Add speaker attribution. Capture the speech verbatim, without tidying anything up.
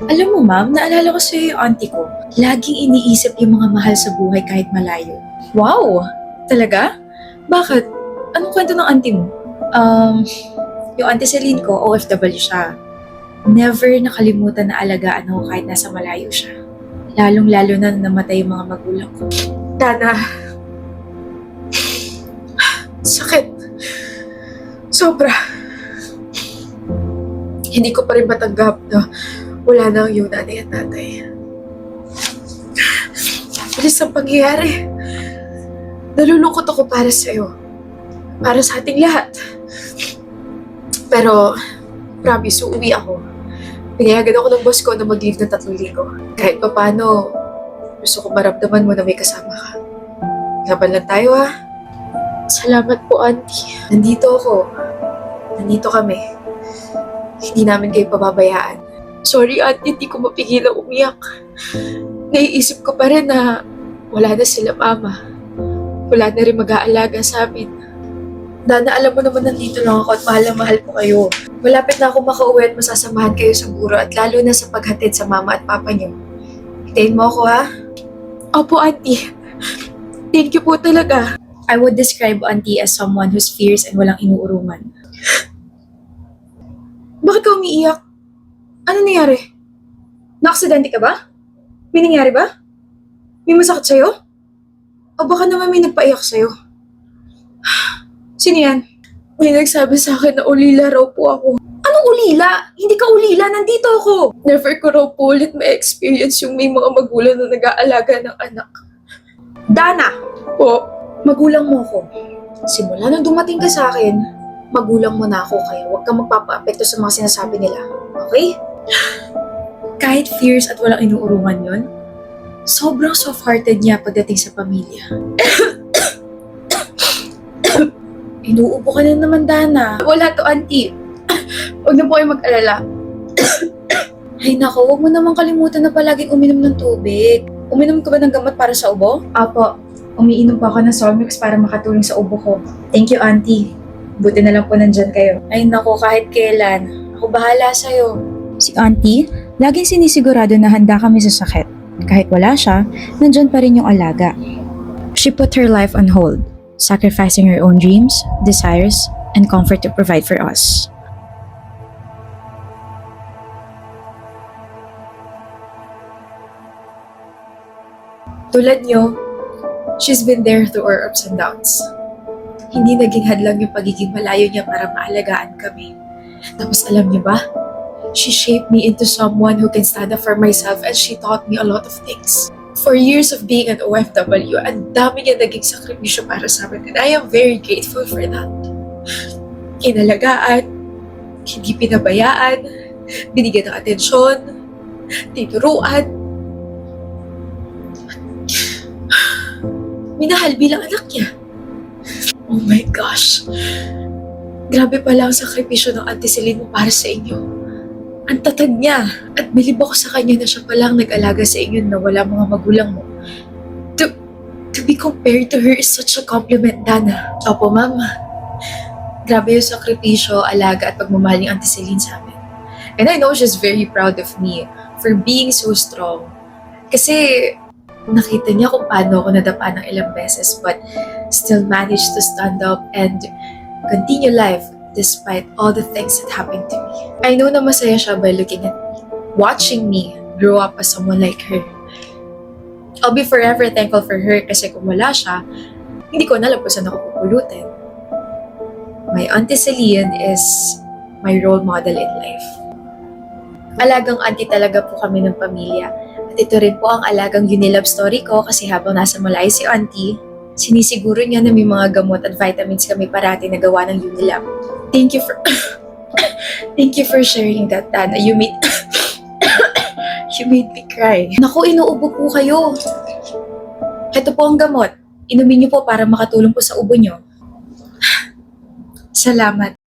Speaker 1: Alam mo ma'am, naalala ko sa'yo yung auntie ko. Laging iniisip yung mga mahal sa buhay kahit malayo. Wow! Talaga? Bakit? Anong kwento ng auntie mo? Um, yung auntie Celine ko, O F W siya. Never nakalimutan na alagaan ako kahit nasa malayo siya. Lalong-lalo na nung namatay yung mga magulang ko. Dana, sakit. Sobra. Hindi ko pa rin matanggap na wala na ang iyong nanay at tatay. Bilis ang pangyayari. Nalulungkot ako para sa'yo. Para sa ating lahat. Pero, promise, uuwi ako. Pinayagan ako ng boss ko na mag-leave ng tatlong linggo. Kahit pa paano, gusto ko maramdaman mo na may kasama ka. Laban lang tayo ha. Salamat po, auntie. Nandito ako. Nandito kami. Hindi namin kayo pababayaan. Sorry, auntie, hindi ko mapigilang umiyak. Naiisip ko pa rin na wala na sila mama. Wala na rin mag-aalaga sa amin. Dana, alam mo naman nandito lang ako at mahal na mahal ko kayo. Malapit na ako makauwi at masasamahan kayo sa buro at lalo na sa paghatid sa mama at papa niyo. Hitayin mo ako ha? Opo, auntie. Thank you po talaga. I would describe auntie as someone who's fierce and walang inuurungan. Bakit ka umiiyak? Ano nangyari? Naaksidente ka ba? May nangyari ba? May masakit sa'yo? O baka naman may nagpaiyak sa'yo? Sino yan? May nagsabi sa akin na ulila raw po ako. Anong ulila? Hindi ka ulila, nandito ako. Never ko raw po ulit may experience yung may mga magulang na nag-aalaga ng anak. Dana! Po, magulang mo ako. Simula nang dumating ka sa akin, magulang mo na ako kaya huwag kang magpapa-apekto sa mga sinasabi nila. Okay? Kahit fierce at walang inuurungan yun, sobrang soft-hearted niya pagdating sa pamilya. Inuubo ka na naman, Dana. Wala to, auntie. Huwag na po kayo mag-alala. Ay nako, huwag mo naman kalimutan na palaging uminom ng tubig. Uminom ka ba ng gamot para sa ubo? Apo, umiinom pa ako ng Solmux para makatulong sa ubo ko. Thank you, auntie. Buti na lang po nandyan kayo. Ay nako, kahit kailan. Ako bahala sa'yo.
Speaker 2: Si auntie, laging sinisigurado na handa kami sa sakit. Kahit wala siya, nandyan pa rin yung alaga. She put her life on hold, sacrificing her own dreams, desires, and comfort to provide for us.
Speaker 1: Tulad niyo, she's been there through our ups and downs. Hindi naging hadlang yung pagiging malayo niya para maalagaan kami. Tapos alam niyo ba? She shaped me into someone who can stand up for myself and she taught me a lot of things. For years of being an O F W, ang dami niya naging sakripisyo para sa amin and I am very grateful for that. Inalagaan, hindi pinabayaan, binigyan ng atensyon, tinuruan. Minahal bilang anak niya. Oh my gosh. Grabe pala ang sakripisyo ng Auntie Celine mo para sa inyo. Ang tatag niya. At bilib ako sa kanya na siya palang nag-alaga sa inyo na wala mga magulang mo. To, to be compared to her is such a compliment, Dana. Opo, ma'am. Grabe yung sakripisyo, alaga at pagmamahal ni Auntie Celine sa amin. And I know she's very proud of me for being so strong. Kasi nakita niya kung paano ako nadapa ng ilang beses but still managed to stand up and continue life despite all the things that happened to me. I know na masaya siya by looking at me, watching me grow up as someone like her. I'll be forever thankful for her kasi kung wala siya, hindi ko alam kung saan ako pupulutin. My Auntie Celine is my role model in life. Alagang auntie talaga po kami ng pamilya. At ito rin po ang alagang Unilab story ko kasi habang nasa Malay si auntie, sinisiguro niya na may mga gamot at vitamins kami parati na gawa ng Unilab. Thank you for Thank you for sharing that, Dana. You made You made me cry. Naku, inuubo po kayo. Ito po ang gamot. Inumin niyo po para makatulong po sa ubo niyo. Salamat.